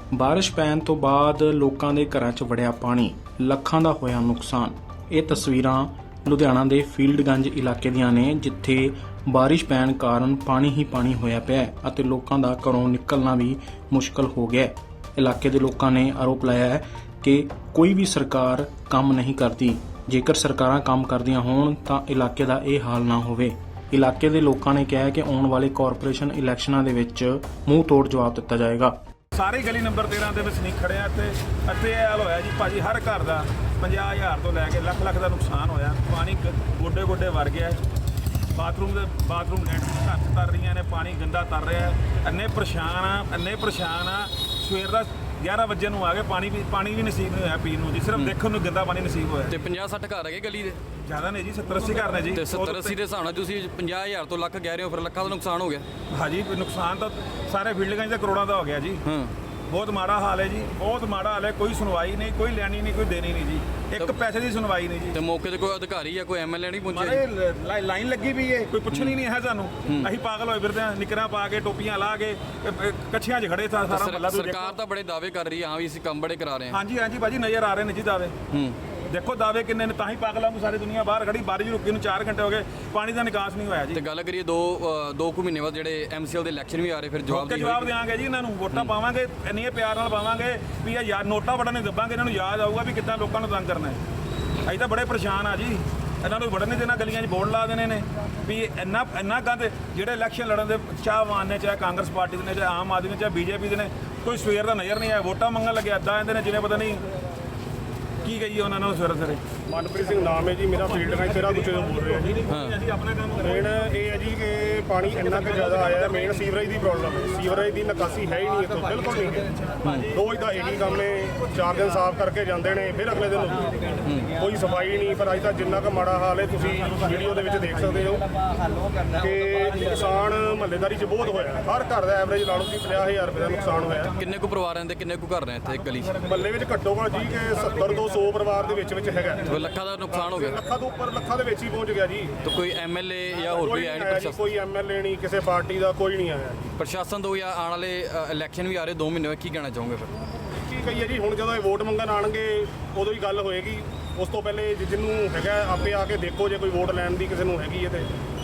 ਬਾਰਿਸ਼ ਪੈਣ ਤੋਂ ਬਾਅਦ ਲੋਕਾਂ ਦੇ ਘਰਾਂ 'ਚ ਵੜਿਆ ਪਾਣੀ, ਲੱਖਾਂ ਦਾ ਹੋਇਆ ਨੁਕਸਾਨ। ਇਹ ਤਸਵੀਰਾਂ ਲੁਧਿਆਣਾ ਦੇ ਫੀਲਡਗੰਜ ਇਲਾਕੇ ਦੀਆਂ ਨੇ, ਜਿੱਥੇ ਬਾਰਿਸ਼ ਪੈਣ ਕਾਰਨ ਪਾਣੀ ਹੀ ਪਾਣੀ ਹੋਇਆ ਪਿਆ ਹੈ ਅਤੇ ਲੋਕਾਂ ਦਾ ਘਰੋਂ ਨਿਕਲਣਾ ਵੀ ਮੁਸ਼ਕਲ ਹੋ ਗਿਆ ਹੈ। ਇਲਾਕੇ ਦੇ ਲੋਕਾਂ ਨੇ ਆਰੋਪ ਲਾਇਆ ਹੈ ਕਿ ਕੋਈ ਵੀ ਸਰਕਾਰ ਕੰਮ ਨਹੀਂ ਕਰਦੀ। ਜੇਕਰ ਸਰਕਾਰਾਂ ਕੰਮ ਕਰਦੀਆਂ ਹੋਣ ਤਾਂ ਇਲਾਕੇ ਦਾ ਇਹ ਹਾਲ ਨਾ ਹੋਵੇ। ਇਲਾਕੇ ਦੇ ਲੋਕਾਂ ਨੇ ਕਿਹਾ ਹੈ ਕਿ ਆਉਣ ਵਾਲੇ ਕਾਰਪੋਰੇਸ਼ਨ ਇਲੈਕਸ਼ਨਾਂ ਦੇ ਵਿੱਚ ਮੂੰਹ ਤੋੜ ਜਵਾਬ ਦਿੱਤਾ ਜਾਏਗਾ। ਸਾਰੀ ਗਲੀ ਨੰਬਰ 13 ਦੇ ਵਸਨੀਕ ਖੜੇ ਆ ਤੇ ਇਹ ਹਾਲ ਹੋਇਆ ਜੀ ਭਾਜੀ। ਹਰ ਘਰ ਦਾ 50,000 ਤੋਂ ਲੈ ਕੇ ਲੱਖ ਦਾ ਨੁਕਸਾਨ ਹੋਇਆ। ਪਾਣੀ ਗੋਡੇ ਗੋਡੇ ਵੜ ਗਿਆ। ਬਾਥਰੂਮ ਲੈਟ ਘਰ 'ਚ ਤਰ ਰਹੀਆਂ ਨੇ, ਪਾਣੀ ਗੰਦਾ ਤਰ ਰਿਹਾ। ਇੰਨੇ ਪਰੇਸ਼ਾਨ ਆ। ਸਵੇਰ ਦਾ 11 ਵਜੇ ਨੂੰ ਆ ਗਏ, ਪਾਣੀ ਵੀ ਨਸੀਬ ਨਹੀਂ ਹੋਇਆ ਪੀਣ ਨੂੰ ਜੀ। ਸਿਰਫ ਦੇਖਣ ਨੂੰ ਗੰਦਾ ਪਾਣੀ ਨਸੀਬ ਹੋਇਆ। ਤੇ 50-60 ਘਰ ਹੈਗੇ ਗਲੀ ਦੇ? ਜ਼ਿਆਦਾ ਨਹੀਂ ਜੀ, 70-80 ਘਰ ਨੇ ਜੀ। ਤੇ 70-80 ਦੇ ਹਿਸਾਬ ਨਾਲ ਤੁਸੀਂ 50,000 ਤੋਂ ਲੱਖ ਕਹਿ ਰਹੇ ਹੋ, ਫਿਰ ਲੱਖਾਂ ਦਾ ਨੁਕਸਾਨ ਹੋ ਗਿਆ। ਹਾਂਜੀ, ਨੁਕਸਾਨ ਤਾਂ ਸਾਰੇ ਫੀਲਡਗੰਜ ਦਾ ਕਰੋੜਾਂ ਦਾ ਹੋ ਗਿਆ ਜੀ। ਬਹੁਤ ਮਾੜਾ ਹਾਲ ਹੈ ਜੀ, ਬਹੁਤ ਮਾੜਾ ਹਾਲ ਹੈ। ਕੋਈ ਸੁਣਵਾਈ ਨਹੀਂ, ਕੋਈ ਲੈਣੀ ਨਹੀਂ, ਕੋਈ ਦੇਣੀ ਨਹੀਂ ਜੀ। ਇੱਕ ਪੈਸੇ ਦੀ ਸੁਣਵਾਈ ਨਹੀਂ ਜੀ। ਤੇ ਮੌਕੇ ਤੇ ਕੋਈ ਅਧਿਕਾਰੀ ਜਾਂ ਕੋਈ ਐਮਐਲਏ ਨਹੀਂ ਪਹੁੰਚਿਆ? ਲਾਈਨ ਲੱਗੀ ਵੀ ਹੈ, ਕੋਈ ਪੁੱਛਣੀ ਨਹੀਂ ਹੈ ਸਾਨੂੰ। ਅਸੀਂ ਪਾਗਲ ਹੋਏ ਫਿਰਦੇ ਹਾਂ, ਨਿਕਰਾਂ ਪਾ ਕੇ, ਟੋਪੀਆਂ ਲਾ ਕੇ, ਕੱਛੀਆਂ 'ਚ ਖੜੇ ਸਾਰਾ ਮਹੱਲਾ। ਸਰਕਾਰ ਤਾਂ ਬੜੇ ਦਾਅਵੇ ਕਰ ਰਹੀ ਹੈ, ਹਾਂ ਵੀ ਅਸੀਂ ਕੰਮ ਬੜੇ ਕਰਾ ਰਹੇ ਹਾਂ। ਹਾਂਜੀ ਭਾਜੀ, ਨਜ਼ਰ ਆ ਰਹੇ ਨੇ ਜੀ ਦਾਅਵੇ। ਦੇਖੋ ਦਾਅਵੇ ਕਿੰਨੇ ਨੇ, ਤਾਂ ਹੀ ਪਾਗਲਾਂ ਨੂੰ ਸਾਰੀ ਦੁਨੀਆ ਬਾਹਰ ਖੜੀ। ਬਾਰਿਸ਼ ਰੁਕੀ ਨੂੰ 4 ਘੰਟੇ ਹੋ ਗਏ, ਪਾਣੀ ਦਾ ਨਿਕਾਸ ਨਹੀਂ ਹੋਇਆ ਜੀ। ਤੇ ਗੱਲ ਕਰੀਏ ਦੋ ਕੁ ਮਹੀਨੇ ਬਾਅਦ ਜਿਹੜੇ ਐਮਸੀਐਲ ਦੇ ਇਲੈਕਸ਼ਨ ਵੀ ਆ ਰਹੇ, ਫਿਰ ਜਵਾਬ ਦੇਵਾਂਗੇ ਜੀ ਇਹਨਾਂ ਨੂੰ। ਵੋਟਾਂ ਪਾਵਾਂਗੇ, ਇੰਨੇ ਪਿਆਰ ਨਾਲ ਪਾਵਾਂਗੇ ਵੀ ਇਹ ਯਾਰ ਨੋਟਾ ਵੜਨ ਨਹੀਂ ਦੱਬਾਂਗੇ। ਇਹਨਾਂ ਨੂੰ ਯਾਦ ਆਊਗਾ ਵੀ ਕਿੱਦਾਂ ਲੋਕਾਂ ਨੂੰ ਤੰਗ ਕਰਨਾ ਹੈ। ਅਸੀਂ ਤਾਂ ਬੜੇ ਪਰੇਸ਼ਾਨ ਆ ਜੀ। ਇਹਨਾਂ ਨੂੰ ਵੜਨ ਨਹੀਂ ਦੇਣਾ, ਗਲੀਆਂ 'ਚ ਬੋਰਡ ਲਾ ਦੇਣੇ ਨੇ ਵੀ ਇੰਨਾ ਗੰਦ। ਜਿਹੜੇ ਇਲੈਕਸ਼ਨ ਲੜਨ ਦੇ ਚਾਹਵਾਨ ਨੇ, ਚਾਹੇ ਕਾਂਗਰਸ ਪਾਰਟੀ ਦੇ ਨੇ, ਚਾਹੇ ਆਮ ਆਦਮੀ ਨੇ, ਚਾਹੇ ਬੀਜੇਪੀ ਦੇ ਨੇ, ਕੋਈ ਸਵੇਰ ਦਾ ਨਜ਼ਰ ਨਹੀਂ ਆਇਆ। ਵੋਟਾਂ ਮੰਗਣ ਲੱਗੇ ਇੱਦਾਂ ਆਉਂਦੇ ਨੇ ਜਿਵੇਂ ਪਤਾ ਨਹੀਂ ਕੀ ਕਹੀਏ ਉਹਨਾਂ ਨੂੰ। ਸਵੇਰੇ ਮਨਪ੍ਰੀਤ ਸਿੰਘ ਨਾਮ ਹੈ ਜੀ ਮੇਰਾ। ਫੀਲਡਗੰਜ ਤੇਰਾ ਗੁੱਛੇ ਤੋਂ ਬੋਲ ਰਿਹਾ ਜੀ। ਅਸੀਂ ਆਪਣਾ ਕੰਮ ਮੇਨ ਇਹ ਹੈ ਜੀ ਕਿ ਪਾਣੀ ਇੰਨਾ ਕੁ ਜ਼ਿਆਦਾ ਆਇਆ। ਮੇਨ ਸੀਵਰੇਜ ਦੀ ਪ੍ਰੋਬਲਮ ਹੈ। ਸੀਵਰੇਜ ਦੀ ਨਿਕਾਸੀ ਹੈ ਹੀ ਨਹੀਂ ਇੱਥੋਂ, ਬਿਲਕੁਲ ਨਹੀਂ ਹੈ। ਰੋਜ਼ ਦਾ ਇਹੀ ਕੰਮ ਹੈ। 4 ਦਿਨ ਸਾਫ਼ ਕਰਕੇ ਜਾਂਦੇ ਨੇ, ਫਿਰ ਅਗਲੇ ਦਿਨ ਕੋਈ ਸਫਾਈ ਨਹੀਂ। ਪਰ ਅੱਜ ਤਾਂ ਜਿੰਨਾ ਕੁ ਮਾੜਾ ਹਾਲ ਹੈ ਤੁਸੀਂ ਵੀਡੀਓ ਦੇ ਵਿੱਚ ਦੇਖ ਸਕਦੇ ਹੋ ਕਿ ਨੁਕਸਾਨ ਮਹੱਲੇਦਾਰੀ 'ਚ ਬਹੁਤ ਹੋਇਆ। ਹਰ ਘਰ ਦਾ ਐਵਰੇਜ ਲਾ ਲਓ ਕਿ 50,000 ਰੁਪਏ ਦਾ ਨੁਕਸਾਨ ਹੋਇਆ। ਕਿੰਨੇ ਕੁ ਪਰਿਵਾਰ ਰਹਿੰਦੇ, ਕਿੰਨੇ ਕੁ ਘਰ ਨੇ ਇੱਥੇ ਗਲੀ 'ਚ? ਮਹੱਲੇ ਵਿੱਚ ਘੱਟੋ ਘੱਟ ਜੀ ਕਿ 70 ਤੋਂ 100 ਪਰਿਵਾਰ ਦੇ ਵਿੱਚ ਹੈਗਾ। ਲੱਖਾਂ ਦਾ ਨੁਕਸਾਨ ਹੋ ਗਿਆ। ਲੱਖਾਂ ਤੋਂ ਉੱਪਰ, ਲੱਖਾਂ ਦੇ ਵਿੱਚ ਹੀ ਪਹੁੰਚ ਗਿਆ ਜੀ। ਤਾਂ ਕੋਈ ਐਮਐਲਏ ਜਾਂ ਹੋਰ ਕੋਈ ਆਇਆ ਨਹੀਂ? ਪ੍ਰਸ਼ਾਸਨ ਕੋਈ ਐਮਐਲਏ ਨਹੀਂ, ਕਿਸੇ ਪਾਰਟੀ ਦਾ ਕੋਈ ਨਹੀਂ ਆਇਆ। ਪ੍ਰਸ਼ਾਸਨ ਤੋਂ ਜਾਂ ਆਉਣ ਵਾਲੇ ਇਲੈਕਸ਼ਨ ਵੀ ਆ ਰਹੇ 2 ਮਹੀਨੇ ਬਾਅਦ, ਕੀ ਕਹਿਣਾ ਚਾਹੋਗੇ ਫਿਰ? ਕੀ ਕਹੀਏ ਜੀ, ਹੁਣ ਜਦੋਂ ਇਹ ਵੋਟ ਮੰਗਣ ਆਣਗੇ ਉਦੋਂ ਹੀ ਗੱਲ ਹੋਏਗੀ। ਉਸ ਤੋਂ ਪਹਿਲੇ ਜਿਹਨੂੰ ਹੈਗਾ ਆਪੇ ਆ ਕੇ ਦੇਖੋ, ਜੇ ਕੋਈ ਵੋਟ ਲੈਣ ਦੀ ਕਿਸੇ ਨੂੰ ਹੈਗੀ ਹੈ ਤੇ